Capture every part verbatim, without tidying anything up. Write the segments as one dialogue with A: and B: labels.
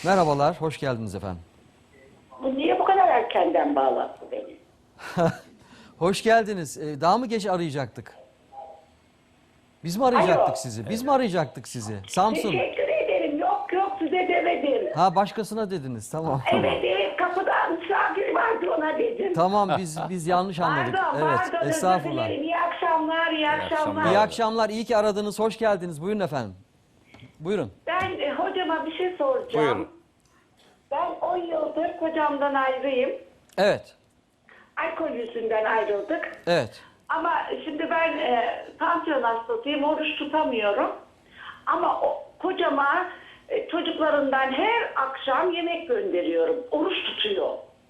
A: Merhabalar, hoş geldiniz efendim.
B: Bu niye bu kadar erkenden bağlattı beni?
A: Hoş geldiniz. Ee, daha mı geç arayacaktık? Biz mi arayacaktık
B: Alo.
A: sizi? Biz mi arayacaktık sizi? Samsun.
B: Teşekkür ederim. Yok yok size demedim.
A: Ha, başkasına dediniz. Tamam. Tamam.
B: Evet evet kapıdan misafir vardı ona dedim.
A: Tamam, biz biz yanlış anladık.
B: Pardon
A: Evet,
B: pardon özür
A: estağfurullah.
B: dilerim. İyi akşamlar iyi akşamlar.
A: İyi akşamlar. İyi ki aradınız. Hoş geldiniz. Buyurun efendim. Buyurun.
B: Ben e, hocama bir şey soracağım.
C: Buyurun.
B: Ben on yıldır kocamdan ayrıyım.
A: Evet.
B: Alkol yüzünden ayrıldık.
A: Evet.
B: Ama şimdi ben e, tansiyon hastasıyım, oruç tutamıyorum. Ama o, kocama e, çocuklarından her akşam yemek gönderiyorum. Oruç tutuyor.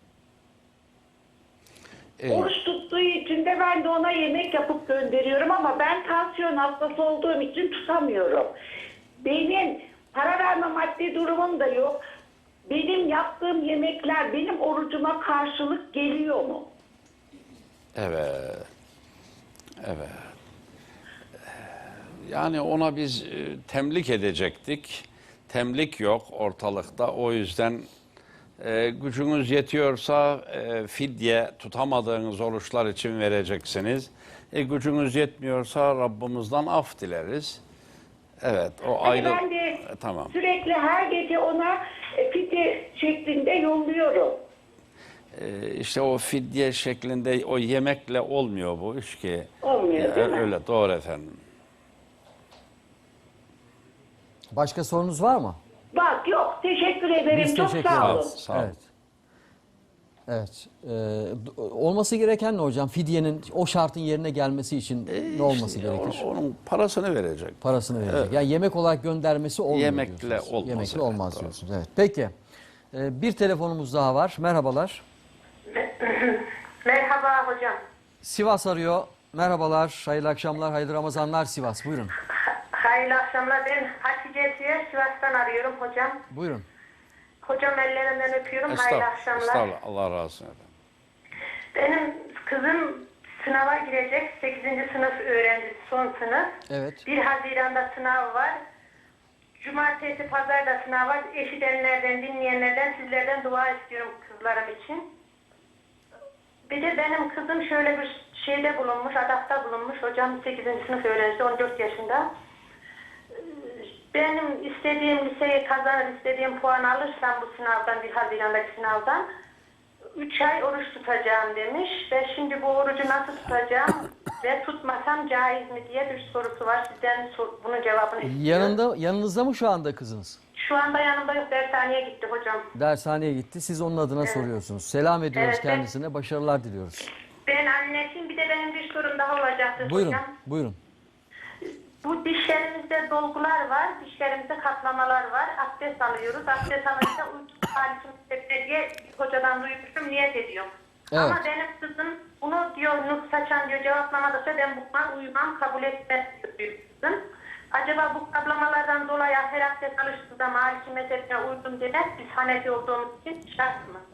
C: Ee,
B: Oruç tuttuğu için de ben de ona yemek yapıp gönderiyorum ama ben tansiyon hastası olduğum için tutamıyorum. Benim para verme maddi durumum da yok. Benim yaptığım yemekler benim orucuma karşılık geliyor mu?
C: evet. Evet. Yani ona biz e, temlik edecektik. Temlik yok ortalıkta. O yüzden e, gücünüz yetiyorsa e, fidye tutamadığınız oruçlar için vereceksiniz. E, gücünüz yetmiyorsa Rabbimizden af dileriz. Evet, o
B: Hani
C: ayrı.
B: ben de
C: E, tamam.
B: sürekli her gece ona e, fidye şeklinde yolluyorum.
C: E, işte o fidye şeklinde o yemekle olmuyor bu iş ki.
B: Olmuyor,
C: E,
B: değil mi?
C: Öyle doğru efendim.
A: Başka sorunuz var mı?
B: Bak yok teşekkür ederim.
A: Biz
B: Çok
A: teşekkür
B: sağ olun.
A: ederiz.
C: Sağ olun.
A: Evet. Evet. Ee, d- olması gereken ne hocam? Fidyenin o şartın yerine gelmesi için ne olması
C: İşte
A: gerekir?
C: o- Onun parasını verecek.
A: Parasını verecek.
C: Evet.
A: Yani yemek olarak göndermesi olmuyor
C: Yemekle
A: diyorsunuz.
C: olmaz,
A: Yemekle
C: evet,
A: olmaz
C: doğru.
A: diyorsunuz. Evet. Peki. Ee, bir telefonumuz daha var. Merhabalar.
D: Merhaba hocam.
A: Sivas arıyor. Merhabalar. Hayırlı akşamlar, hayırlı Ramazanlar Sivas. Buyurun.
D: Hayırlı akşamlar. Ben Hatice Siyer, Sivas'tan arıyorum hocam.
A: Buyurun.
D: Hocam ellerinden öpüyorum. Hayırlı
C: Estağfurullah.
D: akşamlar.
C: Estağfurullah. Allah razı olsun efendim.
D: Benim kızım sınava girecek. sekizinci sınıf öğrencisi, son sınıf.
A: Evet.
D: bir Haziran'da sınav var. Cumartesi, pazarda sınav var. Eşidenlerden, dinleyenlerden, sizlerden dua istiyorum kızlarım için. Bir de benim kızım şöyle bir şeyde bulunmuş, adakta bulunmuş. Hocam sekizinci sınıf öğrencisi, on dört yaşında. Benim istediğim liseyi kazanır, istediğim puan alırsam bu sınavdan, bir Haziran'daki sınavdan üç ay oruç tutacağım demiş. Ve şimdi bu orucu nasıl tutacağım ve tutmasam caiz mi diye bir sorusu var. Sizden sor, bunun cevabını istiyorum.
A: Yanında, yanınızda mı şu anda kızınız?
D: Şu anda yanımda yok, dershaneye gitti hocam.
A: Dershaneye gitti. Siz onun adına soruyorsunuz. Selam ediyoruz
D: Evet, evet.
A: kendisine. Başarılar diliyoruz.
D: Ben annesiyim, bir de benim bir sorum daha olacaktı
A: Buyurun.
D: hocam.
A: Buyurun.
D: Bu dişlerimizde dolgular var, dişlerimizde katlamalar var. Abdest alıyoruz. Abdest alınca uyku halisim diye bir hocadan duymuştum, niyet ediyorum.
A: Evet.
D: Ama benim kızım bunu diyor, Nuh Saçan diyor, cevaplamadıkça ben bundan uyumam, kabul etmez diyor kızım. Acaba bu katlamalardan dolayı her abdest alıştığında Maliki mezhebine uydum demez, biz Hanefi olduğumuz için şart mı?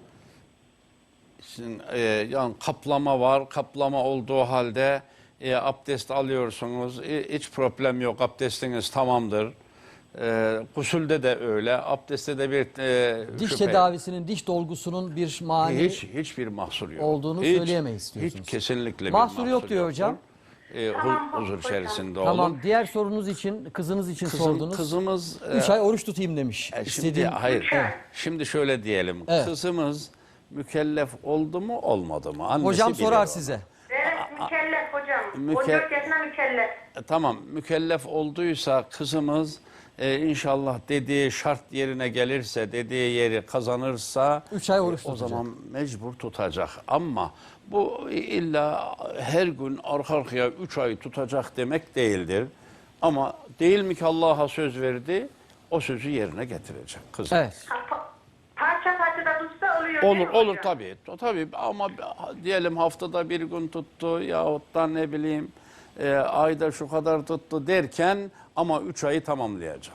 C: Sizin, e, yani kaplama var. Kaplama olduğu halde e, abdest alıyorsunuz. E, hiç problem yok. Abdestiniz tamamdır. E, gusülde de öyle. Abdestte de bir e,
A: Diş
C: şüphe-
A: tedavisinin, diş dolgusunun bir mani
C: hiç hiçbir mahsur yok.
A: olduğunu
C: hiç,
A: söyleyemeyiz diyorsunuz.
C: Hiç kesinlikle bir
A: Mahsur yok diyor
C: yoktur.
A: hocam.
C: E, hu-
D: Tamam,
C: huzur
D: hocam.
C: içerisinde olun.
A: Tamam. Diğer sorunuz için, kızınız için
C: Kızım-
A: sordunuz.
C: Kızımız e,
A: Üç ay oruç tutayım demiş.
C: E, Şimdi
A: İstediğim...
C: hayır.
D: Evet.
C: Şimdi şöyle diyelim.
A: Evet.
C: Kızımız mükellef oldu mu olmadı mı? Annesi
A: Hocam
C: bilir
A: sorar
C: onu.
A: size.
D: Evet, mükellef hocam.
C: müke-
D: on dört yaşında mükellef.
C: E, tamam mükellef olduysa kızımız e, inşallah dediği şart yerine gelirse, dediği yeri kazanırsa
A: Üç ay oruç
C: e, o
A: tutacak.
C: zaman mecbur tutacak. Ama bu illa her gün arka arkaya üç ay tutacak demek değildir. Ama değil mi ki Allah'a söz verdi? O sözü yerine getirecek kızım.
A: Evet.
D: Pa- Parça parça da tutsa oluyor değil
C: Olur
D: mi
C: olur
D: hocam?
C: tabii. Tabii ama diyelim haftada bir gün tuttu yahut da ne bileyim e, ayda şu kadar tuttu derken ama üç ayı tamamlayacak.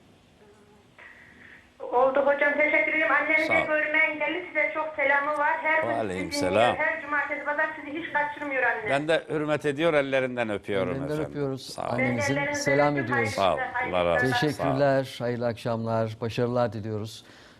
D: Oldu hocam, teşekkür ederim. Annemi
C: Sağ
D: de
C: ol.
D: görme engelli, size çok selamı var. Her gün sizi
C: Aleykümselam.
D: dinliyor, her cumartesi pazar sizi hiç kaçırmıyor anne.
C: Ben de hürmet ediyor, ellerinden öpüyorum
A: Ellerinden
C: efendim.
A: öpüyoruz.
C: Sağ olun.
A: Aynen. Annenizin selam ediyoruz.
C: Sağ ol, Allah razı olsun.
A: Teşekkürler. Hayırlı akşamlar. Başarılar diliyoruz.